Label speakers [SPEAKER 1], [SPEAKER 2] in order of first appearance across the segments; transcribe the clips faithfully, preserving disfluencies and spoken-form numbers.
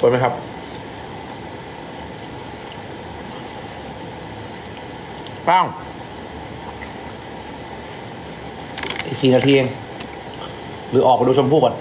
[SPEAKER 1] สวยไหมครับป้างอีกสี่นาทีเองหรือออกไปดูชมพู่ก่อน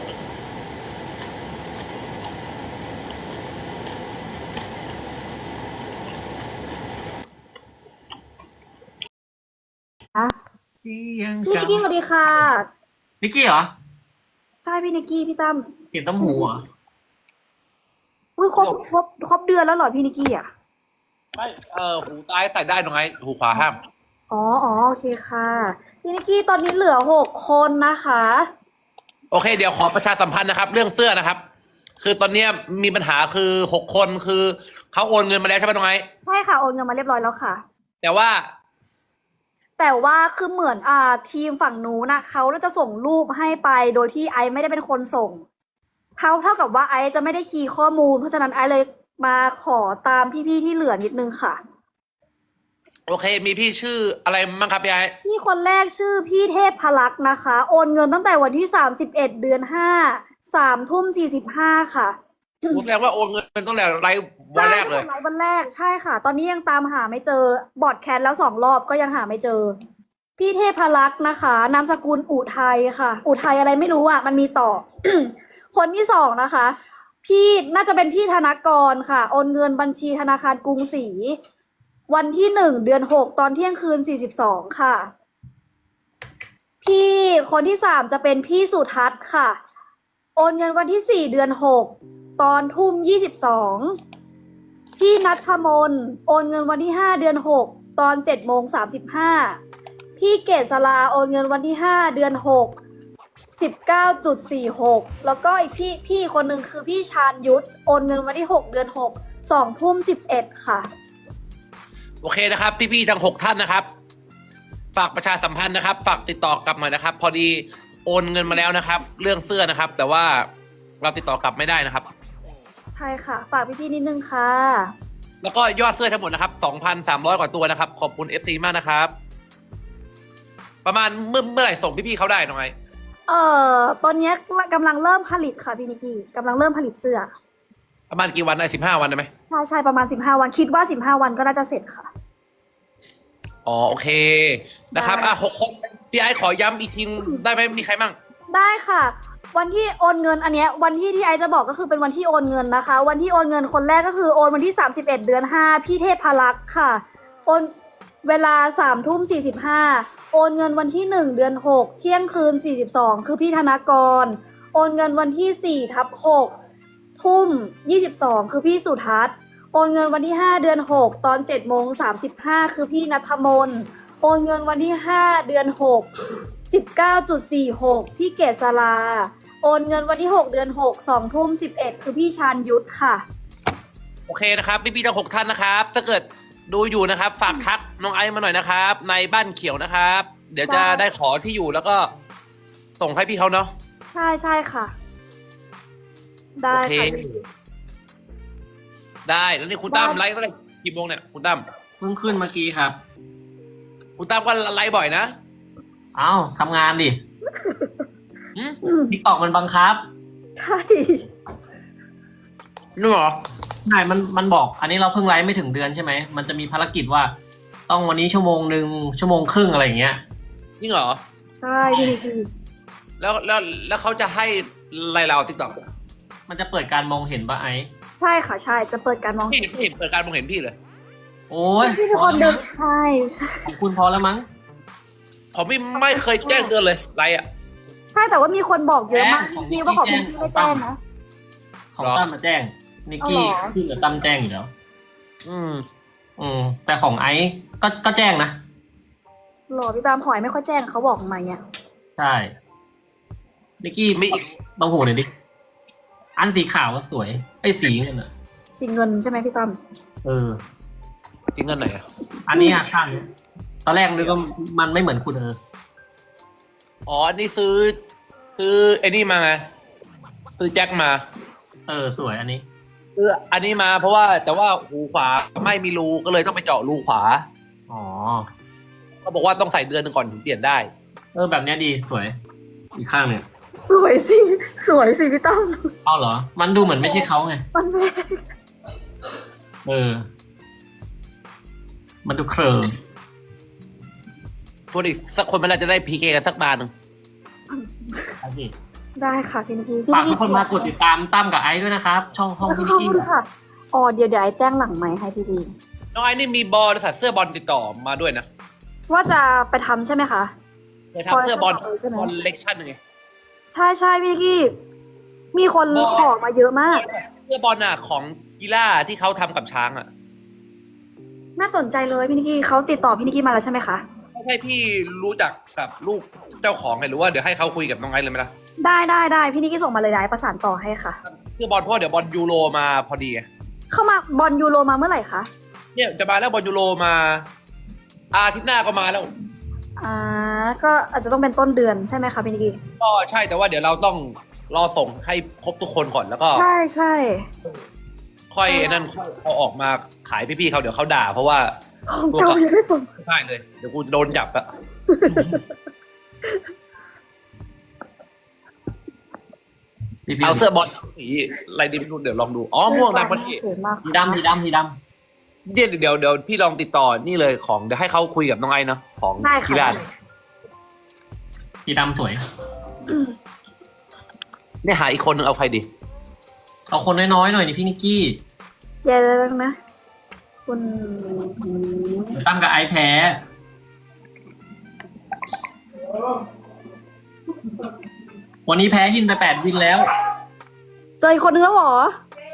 [SPEAKER 2] อะ
[SPEAKER 3] ที่ยัง
[SPEAKER 2] พี่นิกกี้สวัสดีค่ะ
[SPEAKER 3] นิกกี้เหรอ
[SPEAKER 2] ใช่พี่นิกกี้พี่ตั้ม
[SPEAKER 3] เห็นต้มหูเหรอ
[SPEAKER 2] อุ้ยครบครบครบเดือนแล้วเหรอพี่นิกกี้อ่ะ
[SPEAKER 1] ไม่เออหูซ้ายใส่ได้ตรงไหนหูขวาห้าม
[SPEAKER 2] อ๋ออ๋อโอเคค่ะพี่นิกกี้ตอนนี้เหลือหกคนนะคะ
[SPEAKER 1] โอเคเดี๋ยวขอประชาสัมพันธ์นะครับ เรื่องเสื้อนะครับ คือตอนเนี้ยมีปัญหาคือหกคนคือเขาโอนเงินมาแล้วใช่ไหมตรงไหน
[SPEAKER 2] ใช่ค่ะโอนเงินมาเรียบร้อยแล้วค่ะ
[SPEAKER 1] แต่ว่า
[SPEAKER 2] แต่ว่าคือเหมือนอ่าทีมฝั่งนู้นนะเขาน่าจะส่งรูปให้ไปโดยที่ไอซ์ไม่ได้เป็นคนส่งเขาเท่ากับว่าไอซ์จะไม่ได้คีย์ข้อมูลเพราะฉะนั้นไอซ์เลยมาขอตามพี่ๆที่เหลือนิดนึงค่ะ
[SPEAKER 1] โอเค มีพี่ชื่ออะไรบ้างครับพี่ไอ้
[SPEAKER 2] พี่คนแรกชื่อพี่เทพพลักษณ์นะคะ โอนเงินตั้งแต่วันที่สามสิบเอ็ดเดือนห้าสามทุ่มสี่สิบห้าค่ะ
[SPEAKER 1] ผมแสดงว่าโอนเงินเป็นตั้งแต่ไลฟ์วันแรกเลย
[SPEAKER 2] ใช่ค่ะวันแรกใช่ค่ะ ตอนนี้ยังตามหาไม่เจอบอดแคสแล้วสองรอบก็ยังหาไม่เจอ พี่เทพลักษณ์นะคะนามสกุลอุทัยค่ะ อุทัยอะไรไม่รู้อ่ะมันมีต่อ คนที่สองนะคะ พี่น่าจะเป็นพี่ธนกรค่ะ โอนเงินบัญชีธนาคารกรุงศรีวันที่หนึ่งเดือนหกตอนเที่ยงคืนสี่สิบสองค่ะ พี่คนที่สามจะเป็นพี่สุทัศน์ค่ะ โอนเงินวันที่สี่เดือนหกตอนทุ่มยี่สิบสองพี่นัทมนโอนเงินวันที่ห้าเดือนหกตอนเจ็ดโมงสามสิบห้าพี่เกษราโอนเงินวันที่ห้าเดือนหกสิบเก้าจุดสี่หกแล้วก็อีกพี่พี่คนหนึ่งคือพี่ชาญยุทธโอนเงินวันที่หกเดือนหกสองทุ่มสิบเอ็ดค่ะ
[SPEAKER 1] โอเคนะครับ พี่ๆทั้งหกท่านนะครับ ฝากประชาสัมพันธ์นะครับ ฝากติดต่อกลับมานะครับ พอดีโอนเงินมาแล้วนะครับ เรื่องเสื้อนะครับ แต่ว่าเราติดต่อกลับไม่ได้นะครับ
[SPEAKER 2] ใช่ค่ะ ฝากพี่ๆนิดนึงค่ะ
[SPEAKER 1] แล้วก็ยอดเสื้อทั้งหมดนะครับสองพันสามร้อยกว่าตัวนะครับ ขอบคุณ เอฟ ซี มากนะครับ ประมาณเมื่อเมื่อไหร่ส่งพี่ๆเขาได้น้องไอ
[SPEAKER 2] เอ่อตอนนี้กำลังเริ่มผลิตค่ะพี่นิกกี้กำลังเริ่มผลิตเสื้อ
[SPEAKER 1] ประมาณกี่วันได้สิบห้าวันได้ไหม
[SPEAKER 2] ใช่ใช่ประมาณสิบห้าวันคิดว่าสิบห้าวันก็น่าจะเสร็จค่ะ
[SPEAKER 1] อ๋อโอเคนะครับ
[SPEAKER 2] ได้
[SPEAKER 1] อ่ะหกคนพี่ไอซ์ขอย้ำอีกทีได้ไหมมีใครบ้าง
[SPEAKER 2] ได้ค่ะ วันที่โอนเงินอันเนี้ยวันที่ที่ไอซ์จะบอกก็คือเป็นวันที่โอนเงินนะคะ วันที่โอนเงินคนแรกก็คือโอนวันที่สามสิบเอ็ดเดือนห้าพี่เทพพลักษณ์ค่ะโอนเวลาสามทุ่มสี่สิบห้าโอนเงินวันที่หนึ่งเดือนหกเที่ยงคืนสี่สิบสองคือพี่ธนากรโอนเงินวันที่สี่ทับหกทุ่มยี่สิบสองคือพี่สุทัศน์โอนเงินวันที่ห้าเดือนหกตอนเจ็ดโมงสามสิบห้าคือพี่ณัฐมนโอนเงินวันที่ห้าเดือนหกสิบเก้าจุดสี่หกพี่เกษราโอนเงินวันที่หกเดือนหกสองทุ่มสิบเอ็ดคือพี่ชาญยุทธค่ะ
[SPEAKER 1] โอเคนะครับพี่ๆทั้งหกท่านนะครับ ถ้าเกิดดูอยู่นะครับ ฝากทักน้องไอซ์มาหน่อยนะครับ ในบ้านเขียวนะครับ เดี๋ยวจะ
[SPEAKER 2] ได้
[SPEAKER 1] ได้ขอที่อยู่แล้วก็ส่งให้พี่เขาเนาะ
[SPEAKER 2] ใช่ใช่ค่ะ ได้
[SPEAKER 1] โอเค
[SPEAKER 2] ค่ะพี่
[SPEAKER 1] ได้แล้วนี่คุณตั้มไลฟ์ตั้งแต่กี่โมงเนี่ยคุณตั้ม
[SPEAKER 3] เพิ่งขึ้นเมื่อกี้ครับ
[SPEAKER 1] คุณตั้มก็ไลฟ์บ่อยนะ
[SPEAKER 3] เอ้าทำงานดิ
[SPEAKER 1] หืม
[SPEAKER 2] อืม
[SPEAKER 3] ทิกตอกมันบังคับ
[SPEAKER 2] ใช่
[SPEAKER 1] นี่เหรอ
[SPEAKER 3] ใช่ มัน มันบอก อันนี้เราเพิ่งไลฟ์ไม่ถึงเดือนใช่ไหม มันจะมีภารกิจว่า ต้องวันนี้ชั่วโมงหนึ่งชั่วโมงครึ่งอะไรอย่างเงี้ย
[SPEAKER 1] จริงเหรอ
[SPEAKER 2] ใช่พี่นิกกี้
[SPEAKER 1] แล้วแล้วแล้วเขาจะให้อะไรเราติ๊กต็อก
[SPEAKER 3] มันจะเปิดการมองเห็นปะไอ้
[SPEAKER 2] ใช่ค่ะใช่จะเปิดการมอง
[SPEAKER 1] ไม่
[SPEAKER 2] เห็
[SPEAKER 1] เห็
[SPEAKER 2] น
[SPEAKER 1] นไม่เห็นเปิดการมองเห็นพี่เลย
[SPEAKER 3] โอ้ย
[SPEAKER 2] พี่เป็น
[SPEAKER 3] พ
[SPEAKER 2] ค
[SPEAKER 3] อน แล้ว
[SPEAKER 2] ดึ
[SPEAKER 3] มั้
[SPEAKER 2] ก
[SPEAKER 3] ง
[SPEAKER 2] ใช่ใช่
[SPEAKER 3] ของคุณพอแล้วมั้ง
[SPEAKER 1] ผมไม่ไม่เคยแจ้งเตือนเลยไลฟ์อ่ะ
[SPEAKER 2] ใช่แต่ว่ามีคนบอกเยอะมาก
[SPEAKER 3] ของ
[SPEAKER 2] พี่ว่าของ
[SPEAKER 3] พี่
[SPEAKER 2] พี่
[SPEAKER 3] แจ้ง
[SPEAKER 2] ไม่แจ้งนะ
[SPEAKER 3] ของ
[SPEAKER 1] เหรอ
[SPEAKER 3] ตั้มมาแจ้ง นิกกี้
[SPEAKER 2] เอาเหรอ
[SPEAKER 3] ขึ้นกับตั้มแจ้งอยู่แล้ว
[SPEAKER 1] อืม
[SPEAKER 3] อืม แต่ของไอซ์ก็ ก็แจ้งนะ
[SPEAKER 2] หรอพี่ตามหอยไม่ค่อยแจ้งเขาบอกมาเนี่ย
[SPEAKER 3] ใช่ นิกกี้
[SPEAKER 1] มีอีก
[SPEAKER 3] ต้องหูหน่อยดิ อันสีขาวก็สวย ไอ้สีเงินอ่ะ
[SPEAKER 2] จริงเงินใช่ไหมพี่ตั้ม
[SPEAKER 3] เออ
[SPEAKER 1] จริงเงินไหนอ่ะ
[SPEAKER 3] อันนี้อะข้างเนี้ยตอนแรกนึกว่ามันไม่เหมือนคุณเออ
[SPEAKER 1] อ๋ออันนี้ซื้อ ซื้อไอ้นี่มาไงซื้อแจ็คมา
[SPEAKER 3] เออ สวยอันนี้
[SPEAKER 1] ซื้ออันนี้มาเพราะว่าแต่ว่าหูขวาไม่มีรูก็เลยต้องไปเจาะรูขวา
[SPEAKER 3] อ๋อ
[SPEAKER 1] เขาบอกว่าต้องใส่เดือนหนึ่งก่อนถึงเปลี่ยนได้
[SPEAKER 3] เออ แบบเนี้ยดี สวย อีกข้างเนี่ย
[SPEAKER 2] สวยสิสวยสิพี่ตั้ม
[SPEAKER 3] เอาเหรอ มันดูเหมือนไม่ใช่เขาไง
[SPEAKER 2] มันแพง
[SPEAKER 3] เออ มันดูเคลิม
[SPEAKER 1] ชวนอีกสักคนมันน่าจะได้พีเคกันสักบาทหนึ่ง
[SPEAKER 3] เอาสิ
[SPEAKER 2] ได้ค่ะพี่นิกกี้
[SPEAKER 3] ฝากทุกคนมากดติดตามตั้มกับไอซ์ด้วยนะครับ ช่องห้อง
[SPEAKER 2] แล้ว
[SPEAKER 3] พี่
[SPEAKER 2] ขอบ
[SPEAKER 3] นิกกี้
[SPEAKER 2] คุณค่ะอ๋อเดี๋ยวเดี๋ยวไอ้แจ้งหลังไมค์ให้พี่บี
[SPEAKER 1] น้องไอ้นี่มีบอลใส่เสื้อบอลติดต่อมาด้วยนะ
[SPEAKER 2] ว่าจะไปทำใช่ไหมคะ
[SPEAKER 1] เคยทำเสื้อบอล
[SPEAKER 2] บอลใช่ไหม
[SPEAKER 1] บอลเล็กชั่นไง
[SPEAKER 2] ใช่ใช่พี่นิกกี้ มีคน
[SPEAKER 1] บอล
[SPEAKER 2] ขอมาเยอะมาก
[SPEAKER 1] เสื้อบอลน่ะของกีฬาที่เขาทำกับช้างอ่ะ
[SPEAKER 2] น่าสนใจเลยพี่นิกกี้เขาติดต่อพี่นิกกี้มาแล้วใช่ไหมคะ
[SPEAKER 1] ไม่ใช่พี่รู้จักกับลูกเจ้าของไงหรือว่าเดี๋ยวให้เขาคุยกับน้องไอ้เลยไหมล่ะ
[SPEAKER 2] ได้ได้ได้พี่นิกกี้ส่งมาเลยได้ประสานต่อให้ค่ะ
[SPEAKER 1] เสื้อบอลเพราะว่าเดี๋ยวบอลยูโรมาพอดีไง
[SPEAKER 2] เข้ามาบอลยูโรมาเมื่อไหร่คะ
[SPEAKER 1] เนี่ยจะมาแล้วบอลยูโรมาอาทิตย์หน้าก็มาแล้ว
[SPEAKER 2] อ่าก็อาจจะต้องเป็นต้นเดือนใช่ไหมคะพี่นิกกี้
[SPEAKER 1] ก็ใช่แต่ว่าเดี๋ยวเราต้องรอส่งให้ครบทุกคนก่อนแล้วก็
[SPEAKER 2] ใช่ใช่
[SPEAKER 1] ค่อยนั่นค่อยเอาออกมาขายพี่ๆเขาเดี๋ยวเขาด่าเพราะว่า
[SPEAKER 2] ของเก่ายังไม่ผม
[SPEAKER 1] ไม่ได้เลย เดี๋ยวกูโดนจับอะ
[SPEAKER 3] พี่พี่
[SPEAKER 1] เอาเสื้อบอลสีอะไรดีไม่รู้เดี๋ยวลองดูอ๋อม่วงดำพอดี
[SPEAKER 2] สวยมาก
[SPEAKER 3] สีดำสีดำสีด
[SPEAKER 1] เดี๋ยวเดี๋ยวเดี๋ยวพี่ลองติดต่อนี่เลยของเดี๋ยวให้เขาคุยกับน้องไอ้เนาะของ
[SPEAKER 2] ได้
[SPEAKER 1] กี
[SPEAKER 2] ค่ะ
[SPEAKER 1] ฬา
[SPEAKER 3] ำสีดำสวย
[SPEAKER 1] เนี่ยหาอีกคนนึงเอาใครดี
[SPEAKER 3] เอาคนน้อยๆหน่อยนี่พี่นิกกี้
[SPEAKER 2] เดี๋ยวนะ คุณ
[SPEAKER 3] เดี๋ยวตั้มกับไอซ์แพ้ วันนี้แพ้ยินไปแปดวินแล้ว
[SPEAKER 2] เจออีกคนนึงแล้วเหรอ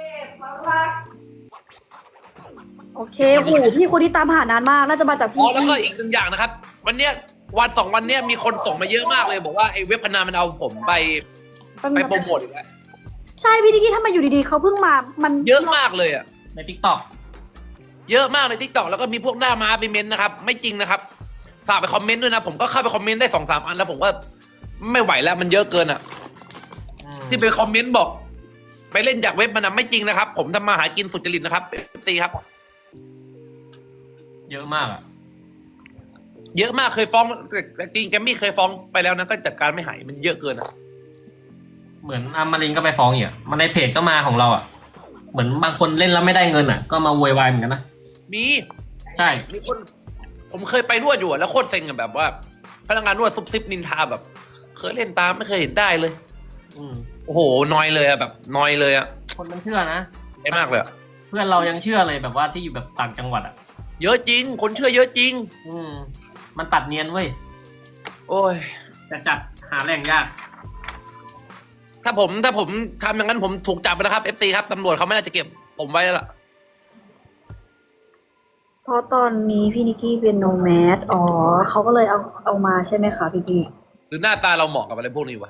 [SPEAKER 2] โอเคโหพี่คนที่ตามหานานมาก น่าจะมาจาก
[SPEAKER 1] อ๋
[SPEAKER 2] พี่
[SPEAKER 1] อแล้วก็อีกหนึ่งอย่างนะครับ วันเนี้ยวันสองวันเนี้ยมีคนส่งมาเยอะมากเลยบอกว่าไอ้เว็บพนันมันเอาผมไปไปโปรโมทอีกแล้ว
[SPEAKER 2] ใช่พี่นิกกี้ถ้ามาอยู่ดีๆเขาเพิ่งมา มัน
[SPEAKER 1] เยอะมากเลยอะ
[SPEAKER 3] ในทิกตอก
[SPEAKER 1] เยอะมากในทิกตอกแล้วก็มีพวกหน้าม้าไปเม้นต์นะครับ ไม่จริงนะครับฝากไปคอมเมนต์ด้วยนะ ผมก็เข้าไปคอมเมนต์ได้สองสามอันแล้วผมก็ไม่ไหวแล้วมันเยอะเกินอะที่ไปคอมเมนต์บอก ไปเล่นจากเว็บมันนะไม่จริงนะครับ ผมทำมาหากินสุจริตนะครับซีครับ
[SPEAKER 3] เยอะมากอ่ะ
[SPEAKER 1] เยอะมากเคยฟ้องแต่จริงแกมมี่เคยฟ้องไปแล้วนะก็จัดการไม่หายมันเยอะเกินอะ
[SPEAKER 3] เหมือนอามารินก็ไปฟ้องอีกอ่ะมันในเพจก็มาของเราอ่ะ เหมือนบางคนเล่นแล้วไม่ได้เงินอ่ะ ก็มาโวยวายเหมือนกันนะ
[SPEAKER 1] มี
[SPEAKER 3] ใช่
[SPEAKER 1] มีคนผมเคยไปนวดอยู่อะแล้วโคตรเซ็งอะแบบว่า พนักงานนวดซุบซิบนินทาแบบ เคยเล่นตามไม่เคยเห็นได้เลย
[SPEAKER 3] อืม
[SPEAKER 1] โอ้โหนอยเลยอะแบบนอยเลยอะ
[SPEAKER 3] คนมันเชื่อนะ
[SPEAKER 1] ได้มากเลยอะ
[SPEAKER 3] เพื่อนเรายังเชื่อเลยแบบว่าที่อยู่แบบต่างจังหวัดอ่ะ
[SPEAKER 1] เยอะจริง คนเชื่อเยอะจริง
[SPEAKER 3] อืม มันตัดเนียนเว้ย
[SPEAKER 1] โอ้ย
[SPEAKER 3] แต่จัดหาแหล่งยาก
[SPEAKER 1] ถ้าผมถ้าผมทำอย่างนั้นผมถูกจับไปนะครับเอฟซีครับตำรวจเขาไม่น่าจะเก็บผมไว้แล้วล่ะ
[SPEAKER 2] เพราะตอนนี้พี่นิกกี้เป็นโนแมสอ๋อเขาก็เลยเอาเอามาใช่ไหมคะพี่พี่
[SPEAKER 1] หรือหน้าตาเราเหมาะกับอะไรพวกนี้วะ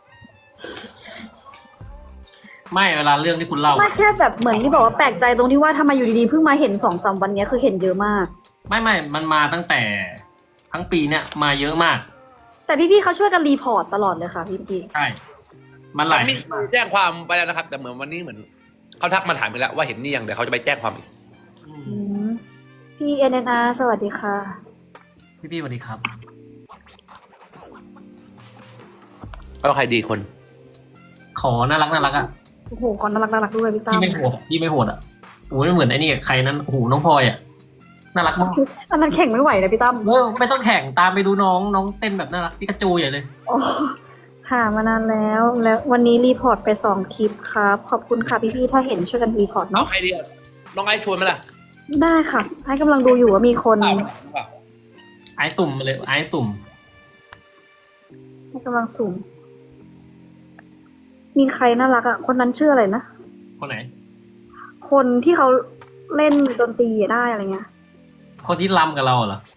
[SPEAKER 3] ไม่เวลาเรื่องที่คุณเล่า
[SPEAKER 2] ไม่แค่แบบเหมือนที่บอกว่าแปลกใจตรงที่ว่าทำไมอยู่ดีๆเพิ่งมาเห็นสองสามวันเนี้ยคือเห็นเยอะมาก
[SPEAKER 3] ไม่ไม่มันมาตั้งแต่ทั้งปีเนี่ยมาเยอะมาก
[SPEAKER 2] แต่พี่ๆเขาช่วยกันรีพอร์ตตลอดเลยค่ะพี่พี่
[SPEAKER 3] ใช่ มันหลาย
[SPEAKER 1] มีแจ้งความไปแล้วนะครับ แต่เหมือนวันนี้เหมือนเขาทักมาถามไปแล้วว่าเห็นนี่ยังเดี๋ยวเขาจะไปแจ้งความอีก
[SPEAKER 3] อื
[SPEAKER 2] อื
[SPEAKER 3] ม
[SPEAKER 2] มพี่เอ็นเอ็นอาร์สวัสดีค่ะ
[SPEAKER 3] พี่พี่สวัสดีครับ
[SPEAKER 1] แล้วใครดีคน
[SPEAKER 3] ขอน่ารักน่ารักอ่ะ
[SPEAKER 2] โอ้โหคนน่ารักน่ารักด้วยพี่ตั้
[SPEAKER 3] พี่
[SPEAKER 2] ม
[SPEAKER 3] ไม่โหดอะพี่ไม่โหดอ่ะโอ้ยไม่เหมือนไอ้นี่ใครนั้นโอ้โหน้องพลอยอ่ะน่ารักมาก
[SPEAKER 2] อันนั้นแข่งไม่ไหวนะพี่ตั้ม
[SPEAKER 3] เออไม่ต้องแข่งตามไปดูน้องน้องเต้นแบบน่ารักพี่กระจูใหญ่เลย
[SPEAKER 2] โอ้หามานานแล้ว แล้ววันนี้รีพอร์ตไปสองคลิปครับ ขอบคุณค่ะพี่ๆถ้าเห็นช่วยกันรีพอร์ต
[SPEAKER 1] เอา
[SPEAKER 2] เนาะ
[SPEAKER 1] ใครดีอะน้องไอ้ชวนไหมล่ะ
[SPEAKER 2] ได้ค่ะ ให้กำลังดูอยู่ว่ามีคน
[SPEAKER 1] เปล่าเปล่า
[SPEAKER 3] ไอ้ตุ่มมาเลยไอ้ตุ่ม
[SPEAKER 2] ให้กำลังสุ่มมีใครน่ารักอ่ะ คนนั้นชื่ออะไรนะ
[SPEAKER 3] คนไหน
[SPEAKER 2] คนที่เขาเล่นดนตรีได้อะไรเงี้ย
[SPEAKER 3] คนที่รำกับเราเหรอ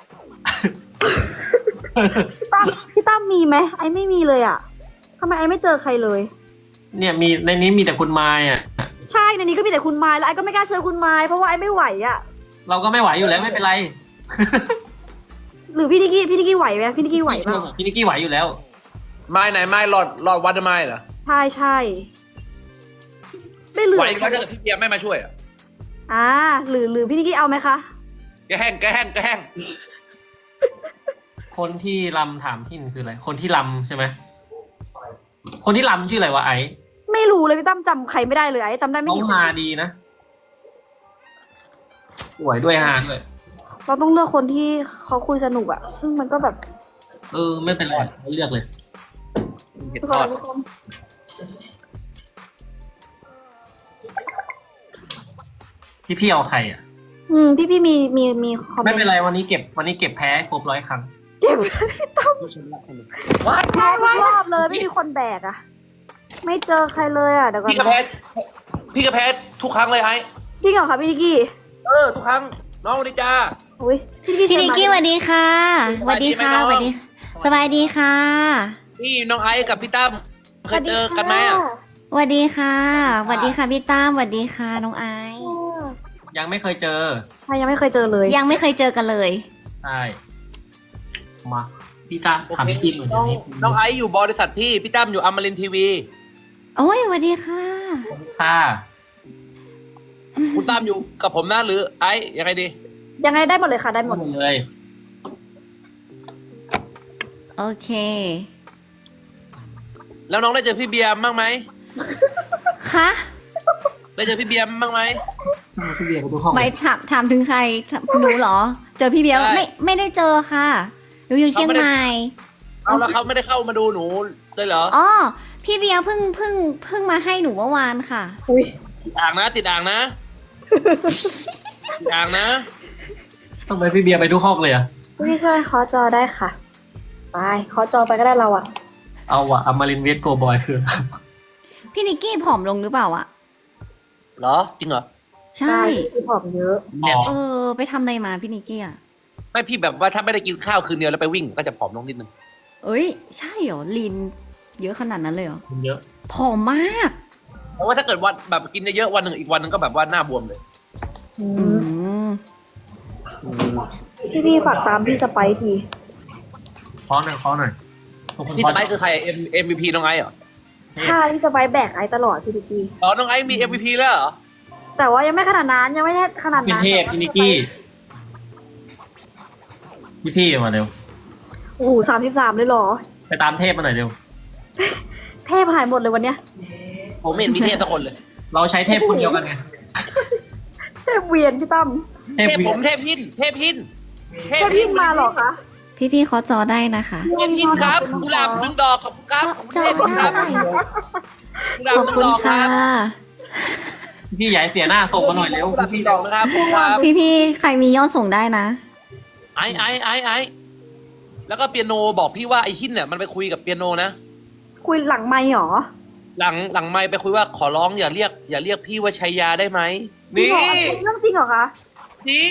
[SPEAKER 2] พี่ตั้มพี่ตั้มมีไหมไอ้ไม่มีเลยอ่ะทำไมไอ้ไม่เจอใครเลย
[SPEAKER 3] เนี่ยมีในนี้มีแต่คุณไม้อ่ะ
[SPEAKER 2] ใช่ในนี้ก็มีแต่คุณไม้แล้วไอ้ก็ไม่กล้าเชิญคุณไม้เพราะว่าไอ้ไม่ไหวอ่ะ
[SPEAKER 3] เราก็ไม่ไหวอยู่แล้วไม่เป็นไร
[SPEAKER 2] หรือพี่นิกกี้พี่นิกกี้ไหวไหมพี่นิกกี้ไหวเปล่า
[SPEAKER 3] พี่นิกกี้ไหวอยู่แล้ว
[SPEAKER 1] ไม้ไหนไม้หลอดหลอดวัดไม้เหรอ
[SPEAKER 2] ใช่ใช่ไม่เหลื
[SPEAKER 1] ไหว
[SPEAKER 2] อ
[SPEAKER 1] ก็ถ้าเกิดพี่เบียร์ไม่มาช่วยอะ
[SPEAKER 2] อ่าหรือหรือพี่นิกกี้เอาไหมคะ
[SPEAKER 1] แกแห้งแกแห้งแกแห้ง
[SPEAKER 3] คนที่รำถามพี่มันคืออะไร คนที่รำใช่ไหมคนที่รำชื่ออะไรวะไอ้
[SPEAKER 2] ไม่รู้เลยพี่ตั้มจำใครไม่ได้เลยไอ้จำได้ไม่
[SPEAKER 3] เขา
[SPEAKER 2] กี่คน
[SPEAKER 3] ฮาดีนะสวยด้วยฮาด้วย
[SPEAKER 2] เราต้องเลือกคนที่เขาคุยสนุกอะซึ่งมันก็แบบ
[SPEAKER 3] เออไม่เป็นไรไม่เลือกเลย
[SPEAKER 1] เห็ด
[SPEAKER 2] ทุก
[SPEAKER 1] ท
[SPEAKER 2] ค
[SPEAKER 1] อด
[SPEAKER 2] นทุกคน
[SPEAKER 3] พี่พี่เอาใครอ่ะ
[SPEAKER 2] อืมพี่พี่มีมีมีคอมเมนต์
[SPEAKER 3] ไม่เป็นไรวันนี้เก็บวันนี้เก็บแพ้ครบร้อยครั้ง
[SPEAKER 2] เก็บ
[SPEAKER 1] ว้าย
[SPEAKER 2] แพ้ทุกรอบเลยไม่มีคนแบกอะไม่เจอใครเลยอะเดี๋ยวก่อน
[SPEAKER 1] พี่กระ
[SPEAKER 2] นะ
[SPEAKER 1] แพทพี่กระแพททุกครั้งเลยไอ้
[SPEAKER 2] จริงเหรอคะพี่นิกกี้
[SPEAKER 1] เออทุกครั้งน้องนิจา
[SPEAKER 2] อุ้ยพี่นิก
[SPEAKER 4] พี่
[SPEAKER 2] กี้
[SPEAKER 4] นิกกี้สวัสดีค่ะสวัสดีค่ะสวัสดีสบายดีค่ะ
[SPEAKER 1] พี่น้องไอ้กับพี่ตั้มเคยเจอกันไหมอ่ะ
[SPEAKER 4] สวัสดีค่ะสวัสดีค่ะพี่ตั้มสวัสดีค่ะน้องไอซ์
[SPEAKER 3] ยังไม่เคยเจอ
[SPEAKER 2] ใครยังไม่เคยเจอเลย
[SPEAKER 4] ยังไม่เคยเจอกันเลย
[SPEAKER 3] ใช่มาพี่ตาถามพี่กิ๊กหน่อย
[SPEAKER 1] น้
[SPEAKER 3] เดี๋
[SPEAKER 1] อย ง
[SPEAKER 3] วนี้
[SPEAKER 1] น้องไอ้อยู่บริษัทพี่พี่ตั้มอยู่อมรินทร์ทีวี
[SPEAKER 4] โอ้ยสวัสดีค่ะ
[SPEAKER 3] ค่ะ
[SPEAKER 1] คุณตั้มอยู่กับผมนะหรือไอ้ยังไงดี
[SPEAKER 2] ยังไงได้หมดเลยค่ะได้หม
[SPEAKER 3] หม
[SPEAKER 2] ด
[SPEAKER 3] ดเลย
[SPEAKER 4] โอเค
[SPEAKER 1] แล้วน้องได้เจอพี่เบียร์บ้างไหม
[SPEAKER 4] คะ
[SPEAKER 1] ได้เจอพี่เบียร์บ้างไหม
[SPEAKER 3] พี่เบียร์เขาดูห้อง
[SPEAKER 4] ไม่ถามถามถึงใครถามหนูเหรอ เจอพี่เบียร์
[SPEAKER 1] ใช่
[SPEAKER 4] ไม่ไม่ได้เจอค่ะหนูอยู่เชียงใหม่
[SPEAKER 1] เอาแล้วเขาไม่ได้เข้ามาดูหนูเลยเหรอ
[SPEAKER 4] อ๋อพี่เบียร์เพิ่งเพิ่งเพิ่งมาให้หนูเมื่อวานค่ะ
[SPEAKER 2] อุ้ย
[SPEAKER 1] ติดอ่างนะ ติดอ่างนะติดอ่างนะ
[SPEAKER 3] ต้องไปพี่เบียร์ไปทุกห้องเลยอะ
[SPEAKER 2] พี่ช่วยเคาะจอได้ค่ะไปเคาะจอไปก็ได้เราอะ
[SPEAKER 3] เอาอะอมรินทร์เวสโกบอยคือ
[SPEAKER 4] พี่นิกกี้ผอมลงหรือเปล่าอะ
[SPEAKER 1] เหรอจริงเหรอ
[SPEAKER 4] ใช่
[SPEAKER 2] พี่ผอมเยอะ
[SPEAKER 1] เนี่ย
[SPEAKER 4] เออ ไปทำอะไรมาพี่นิกกี้อะ
[SPEAKER 1] ไม่พี่แบบว่าถ้าไม่ได้กินข้าวคืนเดียวแล้วไปวิ่งก็จะผอมลงนิดนึง
[SPEAKER 4] เอ้ย ใช่เหรอลีนเยอะขนาดนั้นเลยเหรอ
[SPEAKER 3] มันเยอะ
[SPEAKER 4] ผอมมาก
[SPEAKER 1] เพราะว่าถ้าเกิดวันแบบกินเยอะๆวันหนึ่งอีกวันหนึ่งก็แบบว่าหน้าบวมเลย
[SPEAKER 2] อื
[SPEAKER 4] อื
[SPEAKER 2] ม
[SPEAKER 4] ม
[SPEAKER 2] พี่พี่ฝากตามพี่สไปซ์ที
[SPEAKER 3] เคาะหน่อยเคาะหน่อยขอบคุณ
[SPEAKER 1] พี่
[SPEAKER 3] เคาะ
[SPEAKER 1] สไปซ์คือใคร M MVP น้องไอซ์เหรอ
[SPEAKER 2] ใช่พี่สไปซ์แบกไอ้ตลอดพี่ดิกกี้
[SPEAKER 1] อ๋อน้องไอซ์มี M V P แล้วเหรอ
[SPEAKER 2] แต่ว่ายังไม่ขนาดนั้นยังไม่ใช่ขนาด
[SPEAKER 3] เป็น
[SPEAKER 2] นั้น
[SPEAKER 3] เทพพี่นิกกี้พี่พี่มาเร็ว
[SPEAKER 2] โอ้โหสามสิบสามเลยเหรอ
[SPEAKER 3] ไปตามเทพมาหน่อยเร็ว
[SPEAKER 2] เทพหายหมดเลยวันเนี้ย
[SPEAKER 1] ผมไม่เห็นมีเทพสักคนเลย
[SPEAKER 3] เราใช้เทพคนเดียวกันไง
[SPEAKER 2] เทพเวียนพี่ตั้ม
[SPEAKER 3] เทพ
[SPEAKER 1] เทพ
[SPEAKER 3] วี
[SPEAKER 1] ผมเทพหินเทพหิน
[SPEAKER 2] เทพพิมมาเหรอคะ
[SPEAKER 4] พี่พี่ๆเขาจอได้นะคะ
[SPEAKER 1] เทพหินครับกุหลาบหนึ่งดอกขอบคุณครับ
[SPEAKER 4] จอ
[SPEAKER 1] เทพหินครับ
[SPEAKER 4] ได้
[SPEAKER 1] กุหลาบ
[SPEAKER 4] ขอบ
[SPEAKER 1] หนึ่ง
[SPEAKER 4] คุณ
[SPEAKER 1] ดอกค
[SPEAKER 4] ค่ะ
[SPEAKER 1] รับ
[SPEAKER 3] พี่ใหญ่เสียหน้าส่งมาหน่อยเร็ว
[SPEAKER 1] กุหลาบห
[SPEAKER 3] พี่
[SPEAKER 1] นึ่งดอกนะครับขอบคุณครับ
[SPEAKER 4] พี่พี่ๆใครมียอดส่งได้นะ
[SPEAKER 1] ไอไอไอไอแล้วก็เปียโนบอกพี่ว่าไอหินเนี่ยมันไปคุยกับเปียโนนะ
[SPEAKER 2] คุยหลังไม่หรอ
[SPEAKER 1] หลังหลังไมค์ไปคุยว่าขอร้องอย่าเรียก อย่าเรียกพี่ว่าชัยยาได้ไหม
[SPEAKER 2] จริง
[SPEAKER 1] นี่
[SPEAKER 2] เหรออันนี้เรื่องจริงเหรอคะ
[SPEAKER 1] จริง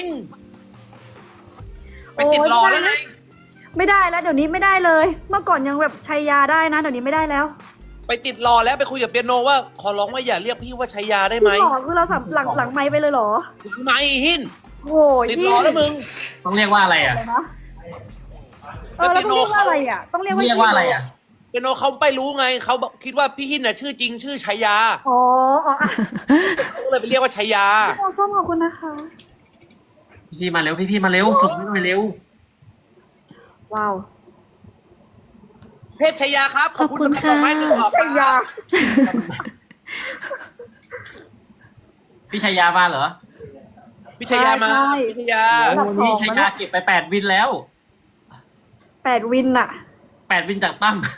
[SPEAKER 1] ไปติดรอแล้วไง
[SPEAKER 2] ไม่ได้แล้วเดี๋ยวนี้ไม่ได้เลย เมื่อก่อนยังแบบชัยยาได้นะเดี๋ยวนี้ไม่ได้แล้ว
[SPEAKER 1] ไปติดรอแล้วไปคุยกับเปียโนว่าขอร้องว่าอย่าเรียกพี่ว่าชัยยาได้ไหม
[SPEAKER 2] จริงเหรอคือเราสับหลังหลังไม่ไปเลยเหรอ
[SPEAKER 1] ไหมหิน
[SPEAKER 2] โอ้ย
[SPEAKER 1] ติดรอแล้วมึง
[SPEAKER 3] ต้องเรียกว่าอะไรอ่ะ
[SPEAKER 2] อะไรนะเออแล้วต้องเรียกว่าอะไรอ่ะ ต้องเรียกว่า
[SPEAKER 3] เรียกว่าอะไรอ่ะ
[SPEAKER 1] เปียโนเขาไม่รู้ไงเขาบอกคิดว่าพี่หินน่ะชื่อจริง ชื่อชัยยา
[SPEAKER 2] อ๋ออ๋ออ่ะ
[SPEAKER 1] ก็เลยไปเรียกว่าชัยยา
[SPEAKER 2] โอ้ส้มขอบคุณนะคะ
[SPEAKER 3] พี่พี่มาเร็วพี่พี่มาเร็วส่งให้หน่อยเร็ว
[SPEAKER 2] ว้าว
[SPEAKER 1] เทพชัยยาครับขอบคุณ
[SPEAKER 4] ขอบคุณ
[SPEAKER 1] สำหรับดอกไม้
[SPEAKER 4] ค่ะ
[SPEAKER 1] หนึ่งดอก
[SPEAKER 2] ชัยยา
[SPEAKER 3] พี่ชัยยามาเหรอ
[SPEAKER 1] พี่ชัยยามา
[SPEAKER 2] ใช่
[SPEAKER 1] พี่ชัยยา
[SPEAKER 2] อันดับสอง
[SPEAKER 3] พี่ชัยยาเก็บไปแปดวินแล้ว
[SPEAKER 2] แปดวินอะ
[SPEAKER 3] แปดวินจากตั้ม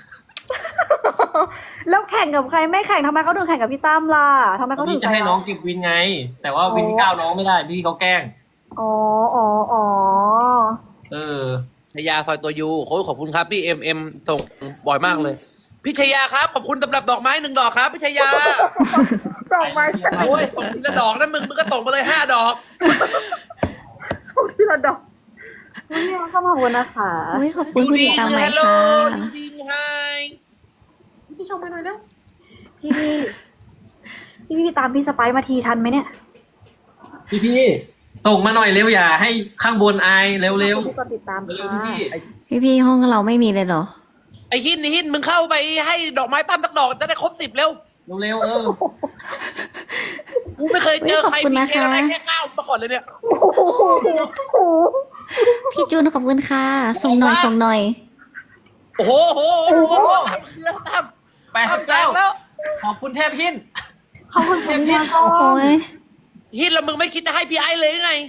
[SPEAKER 2] แล้วแข่งกับใครไม่แข่งทำไมเขาถึงแข่งกับพี่ตั้มล่ะทำไมเขาถึ
[SPEAKER 3] พี่
[SPEAKER 2] ง
[SPEAKER 3] จะให้น้องเก็บวินไง แต่ว่าวินที่เก้าน้องไม่ได้พี่เขาแกล้ง
[SPEAKER 2] อ๋ออ๋ออ๋อ
[SPEAKER 3] เออ
[SPEAKER 1] ชัยยาซอยตัวยูโอ้ยขอบคุณครับพี่เอ็มเอ็มส่งบ่อยมากเลย พี่ชัยยาครับขอบคุณสำหรับดอกไม้หนึ่งดอกครับพี่ชัยยา
[SPEAKER 2] ดอกไม้
[SPEAKER 1] โอ้ยส่งทีละดอกนะมึงมึงก็ส่งมาเลยห้าดอก
[SPEAKER 2] ส่งที่ละดอกวันนี้ส้มขอบคุณนะคะ
[SPEAKER 4] โอ้ยขอบคุณผู้ติดตามใหม่
[SPEAKER 1] ฮัลโหล
[SPEAKER 4] ค่ะ
[SPEAKER 1] ยูดิงไฮ
[SPEAKER 2] พี่ชมไปหน่อยแล้วพี่พี่พี่พี่ตามพี่สไปซ์มาทีทันไหมเนี่ย
[SPEAKER 3] พี่พี่ส่งมาหน่อยเร็วอย่าให้ข้างบนอายเร็วเร็ว
[SPEAKER 2] พี่ก็ติดตาม
[SPEAKER 3] เร็ว
[SPEAKER 2] ค่ะ
[SPEAKER 3] พี่
[SPEAKER 4] พี่พี่ๆห้องเราไม่มีเลยเหรอ
[SPEAKER 1] ไอ้หินไอ้หินมึงเข้าไปให้ดอกไม้ตั้มสักดอกจะได้ครบสิบเร็ว
[SPEAKER 3] เร็วเร็วเออ
[SPEAKER 1] กูไม่เคยเจอใคร
[SPEAKER 4] ขอบคุณ
[SPEAKER 1] มี
[SPEAKER 4] นะ
[SPEAKER 1] เค
[SPEAKER 4] คะ
[SPEAKER 1] อะไรแค่เก้ามาก่อนเลยเนี่ย
[SPEAKER 2] โอ้โหโอ้โห
[SPEAKER 4] พี่จูนขอบคุณค่ะ ส่งหน่อยส่งหน่อย
[SPEAKER 1] โอ้โหโอ้โหโอ้โหตั้มตั้ม
[SPEAKER 3] แปด
[SPEAKER 1] ตั้ม
[SPEAKER 3] สิบ
[SPEAKER 1] แต
[SPEAKER 3] เก้าก
[SPEAKER 1] แล้ว
[SPEAKER 3] ขอบคุณเทพหิน
[SPEAKER 2] ขอบคุณ
[SPEAKER 3] เท
[SPEAKER 2] คุณ
[SPEAKER 3] พหิ
[SPEAKER 2] เมีย
[SPEAKER 3] น
[SPEAKER 2] ส้
[SPEAKER 4] โอ้
[SPEAKER 2] ม
[SPEAKER 4] ย
[SPEAKER 1] ฮิตแล้วมึงไม่คิดจะให้พี่ไอ้เลยไง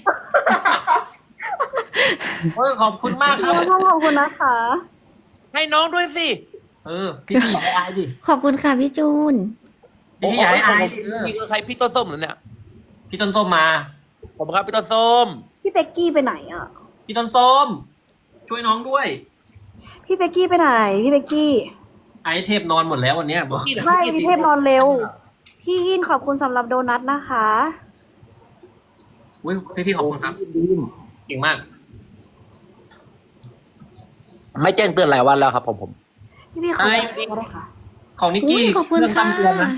[SPEAKER 3] เออขอบคุณมากครับ
[SPEAKER 2] ขอบคุณนะคะ
[SPEAKER 1] ให้น้องด้วยสิ
[SPEAKER 3] เออพี่พี่อย่าให้อายดิ
[SPEAKER 4] ขอบคุณค่ะพี่จูน
[SPEAKER 3] พี่พี่อย่าให้อายดิ
[SPEAKER 1] พี่คือใครพี่ต้นส้มเหรอเนี่ย
[SPEAKER 3] พี่ต้นส้มมา
[SPEAKER 1] ผมครับพี่ต้นส้ม
[SPEAKER 2] พี่เป็กกี้ไปไหนอ่ะ
[SPEAKER 3] พี่ต้นส้ม ช่วยน้องด้วย
[SPEAKER 2] พี่เป็กกี้ไปไหน พี่เป็กกี้
[SPEAKER 3] ไอเทพนอนหมดแล้ววันเนี้ยบอก
[SPEAKER 2] ไม่พี่เทพนอนเร็ว พี่ยินขอบคุณสำหรับโดนัทนะคะ
[SPEAKER 3] อุ้ยพี่พี่ขอบคุณครับเก่งมาก
[SPEAKER 1] ไม่แจ้งเตือนหลายวันแล้วครับผมผม
[SPEAKER 2] พี่พี่ขอ
[SPEAKER 3] ไอ้
[SPEAKER 2] ก็ได้ค่ะ
[SPEAKER 3] ของนิก
[SPEAKER 4] อุ้
[SPEAKER 3] กี้
[SPEAKER 4] ยขอบคุณ
[SPEAKER 3] เรื่อง
[SPEAKER 4] ค่ะ
[SPEAKER 3] ตำเตือนนะ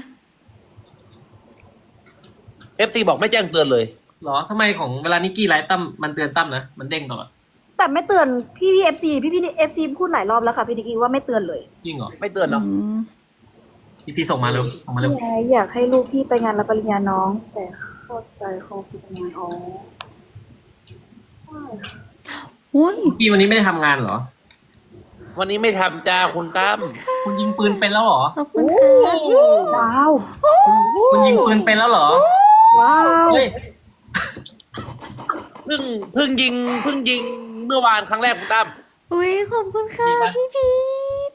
[SPEAKER 1] เอฟซีบอกไม่แจ้งเตือนเลย
[SPEAKER 3] หรอทำไมของเวลานิกกี้ไลฟ์ตั้มมันเตือนตั้มนะมันเด้งตลอด
[SPEAKER 2] แต่ไม่เตือนพี่พี่เอฟซีพี่พี่เอฟซีพูดหลายรอบแล้วค่ะพี่นิกกี้ว่าไม่เตือนเลย
[SPEAKER 3] จริงเหรอ
[SPEAKER 1] ไม่เตือนเนาะ
[SPEAKER 4] อืม
[SPEAKER 3] พี่พี่ส่งมาเร็วส่งมาเร็ว
[SPEAKER 2] พี่ไออยากให้ลูกพี่ไปงานรับปริญญาน้อง แต่เข้าใจคงติดงานอ๋อ
[SPEAKER 4] อุ้ย
[SPEAKER 3] นิกกี้วันนี้ไม่ได้ทำงานเหรอ
[SPEAKER 1] วันนี้ไม่ทำจ้าคุณตั้ม
[SPEAKER 3] คุณยิงปืนเป็นแล้วเหรอ
[SPEAKER 4] ขอบคุณค่ะ
[SPEAKER 2] ว้าว
[SPEAKER 3] คุณยิงปืนเป็นแล้วเหรอ
[SPEAKER 2] ว้าว
[SPEAKER 3] เฮ้ย
[SPEAKER 1] เพิ่งเพิ่งยิงเพิ่งยิงเมื่อวานครั้งแรกคุณตั้ม
[SPEAKER 4] อุ้ยขอบคุณค่ะ
[SPEAKER 3] ดีปะ
[SPEAKER 4] พี่พีท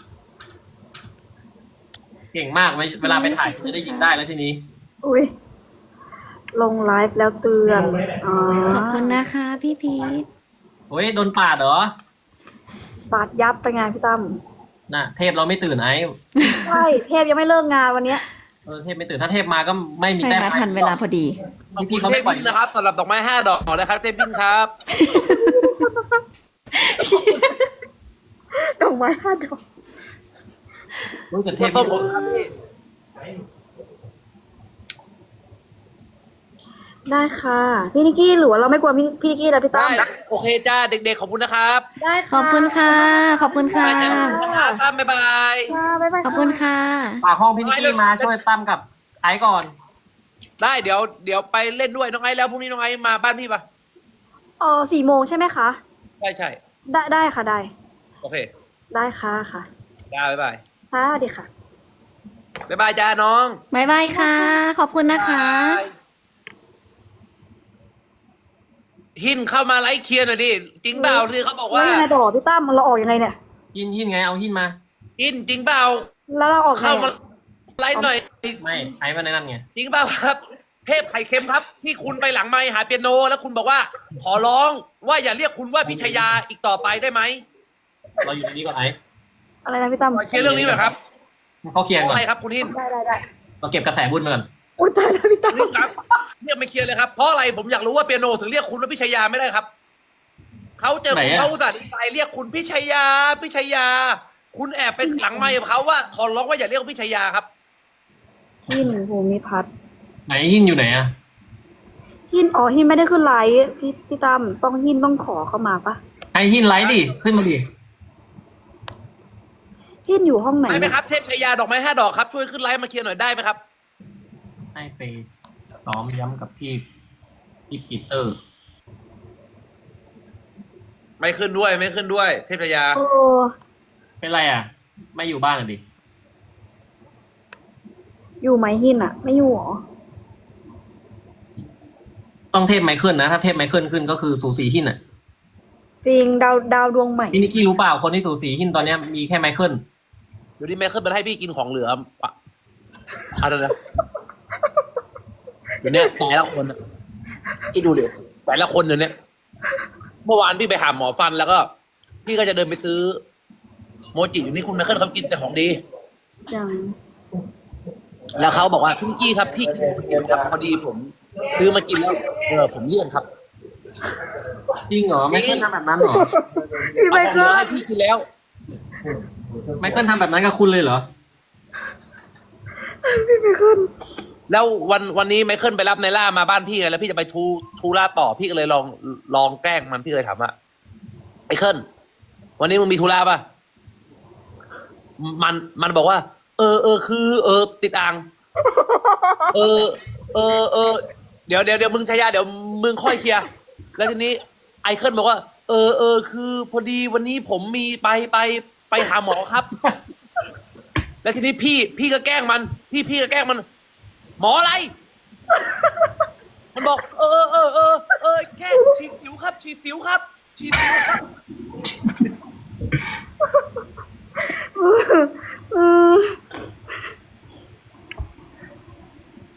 [SPEAKER 3] เก่งมากไหมเวลาไปถ่ายคุณจะได้ยิงได้แล้วทีนี้
[SPEAKER 2] อุ้ยลงไลฟ์แล้วเตือนอ๋อ
[SPEAKER 4] ขอบคุณนะคะพี่พีท
[SPEAKER 3] โอ้ยโดนปาดเหรอ
[SPEAKER 2] ปาดยับไปงานพี่ตั้ม
[SPEAKER 3] น่ะเทพเราไม่ตื่นไอ้
[SPEAKER 2] ใช่เทพยังไม่เลิกงานวันเนี้ย
[SPEAKER 3] เออเทพไม่ตื่นถ้าเทพมาก็ไม่มี
[SPEAKER 4] ใช่
[SPEAKER 3] แต้ม
[SPEAKER 4] ค่ะทันเวลาพอดี
[SPEAKER 1] ขอบ
[SPEAKER 3] พี่
[SPEAKER 1] คุณ
[SPEAKER 3] เขา
[SPEAKER 1] เท
[SPEAKER 3] ไม่
[SPEAKER 1] พ
[SPEAKER 3] ปล่อย
[SPEAKER 1] พินนะครับสำหรับดอกไม้ห้าดอกนะครับเทพพินครับ
[SPEAKER 2] ดอกไม้ห้าดอก
[SPEAKER 3] รู้จักเท
[SPEAKER 1] ต้
[SPEAKER 3] พ
[SPEAKER 1] นส้มผมครับพี่
[SPEAKER 2] ได้ค่ะพี่นิกกี้หรือว่าเราไม่กลัวพี่พี่นิกกี้แล้วพี่ตั้
[SPEAKER 1] ได้
[SPEAKER 2] ม
[SPEAKER 1] โอเคจ้าเด็กๆขอบคุณนะครับ
[SPEAKER 2] ได้
[SPEAKER 4] ขอบคุณค่ะ ขอบคุณค่ะ
[SPEAKER 1] ไปจ้าตั้มบ๊ายบาย
[SPEAKER 2] ค่ะบ๊ายบาย
[SPEAKER 4] ขอบคุณค่ะ
[SPEAKER 3] ฝากห้องพี่นิกกี้มาช่วยตั้มกับไอ้ก่อน
[SPEAKER 1] ได้เดี๋ยวเดี๋ยวไปเล่นด้วยน้องไอซ์แล้วพรุ่งนี้น้องไอซ์มาบ้านพี่ปะ
[SPEAKER 2] อ๋อสี่โมงใช่ไหมคะ
[SPEAKER 1] ใช่ใช่
[SPEAKER 2] ได้ได้ค่ะได้
[SPEAKER 1] โอเค
[SPEAKER 2] ได้ค่ะค่ะ
[SPEAKER 1] จ้าบ๊ายบาย
[SPEAKER 2] ค่ะสวัสดีค่ะ
[SPEAKER 1] บ๊ายบายจ้าน้อง
[SPEAKER 4] บ๊ายบายค่ะ ขอบคุณนะคะ
[SPEAKER 1] บ๊ายบายหินเข้ามาไลฟ์เคลียร์หน่อยดิจริงเปล่าที่เขาบอก
[SPEAKER 2] แล้ว
[SPEAKER 1] ว่า
[SPEAKER 2] ยังไงต่อพี่ตั้มเราออกยังไงเนี่ย
[SPEAKER 3] หินหินไงเอาหินมา
[SPEAKER 1] หินจริงเปล่า
[SPEAKER 2] แล้วเราออกไง
[SPEAKER 1] เข้ามา
[SPEAKER 2] อะ
[SPEAKER 1] ไลฟ์หน่อย
[SPEAKER 3] ไม่ไอ้มาในนั่นไง
[SPEAKER 1] จริงเปล่าครับ เทพไข่เค็มครับ ที่คุณไปหลังไมค์หาเปียโน แล้วคุณบอกว่า ขอร้องว่าอย่าเรียกคุณว่าพิชยาอีกต่อไปได้ไหม
[SPEAKER 3] เราอยู่ตรงนี้ก่อนไอ้
[SPEAKER 2] อะไรนะพี่ตั้ม
[SPEAKER 1] เคลียร์เรื่องนี้หน่อยครับ
[SPEAKER 3] เขาเคลียร์
[SPEAKER 1] เพราะ
[SPEAKER 3] ก่อ
[SPEAKER 1] อะไร
[SPEAKER 3] น
[SPEAKER 1] ครับคุณหิน
[SPEAKER 2] ได้ได้ได้
[SPEAKER 3] เราเก็บกระแสบุญมาก่อน
[SPEAKER 2] อุ้ยตายแล้วพี่ตั้ม
[SPEAKER 1] คุณหินครับเรียกไม่เคลียร์เลยครับเพราะอะไรผมอยากรู้ว่าเปียโนถึงเรียกคุณว่าพิชยาไม่ได้ครับเขาเจอคุณเขาอุตส่าห์ดีใจเรียกคุณพิชยาพิชยา คุณแอบไปหลังไมค์กับเขาว่าขอร้องว่าอย่าเรียกว่าพิชยาครับ
[SPEAKER 2] หินภูมิพัฒน์
[SPEAKER 3] ไหนหินอยู่ไหนอะ
[SPEAKER 2] หินอ๋อหินไม่ได้ขึ้นไลฟ์พี่พี่ตั้มต้องหินต้องขอเข้ามาปะ
[SPEAKER 3] ไอ้หินไลท์ดิขึ้นมาดิ
[SPEAKER 2] หินอยู่ห้องไหน
[SPEAKER 1] ได้ไหม
[SPEAKER 2] เนี่ย
[SPEAKER 1] ครับเทพชายาดอกไม้ห้าดอกครับช่วยขึ้นไลฟ์มาเคลียร์หน่อยได้ไหมครับ
[SPEAKER 3] ให้ไปซ้อมย้ำกับพี่พี่ปีเตอร์
[SPEAKER 1] ไม่ขึ้นด้วยไม่ขึ้นด้วย เทพชายา
[SPEAKER 2] โอ้
[SPEAKER 3] เป็นไรอ่ะ ไม่อยู่บ้านอ่ะดิ
[SPEAKER 2] อยู่ไหมหินอะไม่อยู่หรอ
[SPEAKER 3] ต้องเทพไมเคิลนะ ถ้าเทพไมเคิลขึ้นก็คือสูสีหินอ่ะ
[SPEAKER 2] จริงดาวดาวดวงใหม่
[SPEAKER 3] พี่นิกกี้รู้เปล่าคนที่สูสีหินตอนเนี้ยมีแค่ไมเคิล
[SPEAKER 1] เดี๋ยวนี้แม่ขึ้นมาให้พี่กินของเหลือปะอะไรนะเดี๋ยวนี้แต่ละคนอะพี่ดูดิแต่ละคนเดี๋ยวนี้เมื่อวานพี่ไปหาหมอฟันแล้วก็ พี่ก็จะเดินไปซื้อ โมจิอยู่นี่คุณแม่ขึ้นเขากินแต่ของดี
[SPEAKER 2] ยัง
[SPEAKER 1] แล้วเขาบอกว่าพี่นิกกี้ครับพี่กินโมจิครับพอดีผมซื้อมากินแล้วเออผมเลี่ยนครับ
[SPEAKER 3] จริงเหรอไมเคิลทำแบบนั้นเหรอ
[SPEAKER 2] พี่ไม่
[SPEAKER 1] เอาของเหลื
[SPEAKER 2] เค
[SPEAKER 1] อย ให้พี่กินแล้ว
[SPEAKER 3] ไมเคิลทำแบบนั้นกับคุณเลยเหรอ
[SPEAKER 2] พี่ไม่ขึ้น
[SPEAKER 1] แล้ววันวันนี้ไมเคิลไปรับไนล่ามาบ้านพี่ไงแล้วพี่จะไปทูทูล่าต่อพี่ก็เลยลองลองแกล้งมันพี่เลยถามว่าไมเคิลวันนี้มึงมีทูล่าป่ะมันมันบอกว่า เออเออคือ เออ ติดอ่าง เออ เออเออเดี๋ยวเดี๋ยวเดี๋ยวมึงชายาเดี๋ยวมึงค่อยเคลียร์แล้วทีนี้ไอเคิลบอกว่า เออเออคือ พอดีวันนี้ผมมีไปไปไปหาหมอครับ แแล้วทีนี้พี่พี่ก็แกล้งมัน พี่พี่ก็แกล้งมัน หมออะไร มันบอก เออเออเออเออแค่ฉีดสิวครับ ฉีดสิวครับ ฉีดสิว